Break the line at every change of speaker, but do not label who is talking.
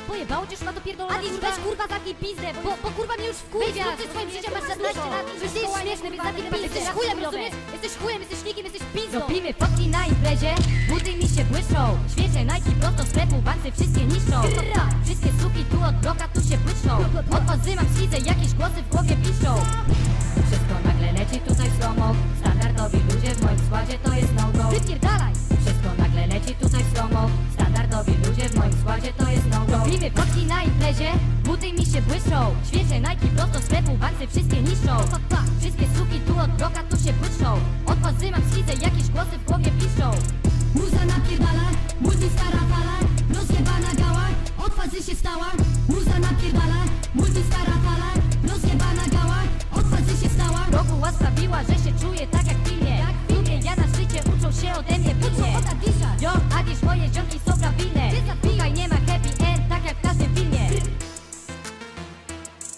Pojebało cię szmato pierdolona,
Adi,
kurwa?
weź kurwa taki pizdę,
Bo kurwa mnie już wkurwia.
Ty swoim życiem masz za
16
dużo.
lat,
Że ty jest śmieszny, więc taki pizdę.
Jesteś chujem, rozumiesz? Jesteś chujem, jesteś nikim, jesteś pizdą.
Robimy fotki na imprezie, buty mi się błyszczą. Świecie Nike prosto z sklepu, bańce wszystkie niszczą. Wszystkie suki tu od bloka, tu się błyszczą. Od fazy mam schizę, jakieś głosy w głowie piszczą. Wszystko nagle leci tutaj slow-mo. Standardowi ludzie w moim składzie to jest no-go.
Wypierdalaj.
Wszystko nagle leci tutaj slow-mo. Standardowi ludzie w moim składzie to jest no-go. Robimy fotki na imprezie, buty mi się błyszczą. Świecie Nike prosto z sklepu, bańce wszystkie niszczą. Wszystkie suki tu od bloka, tu się błyszczą. Od fazy mam schizę, jakieś głosy w głowie piszczą.
Muza napierdala, multi stara fala, rozjebana gała, od fazy się stała. Muza napierdala, multi stara fala,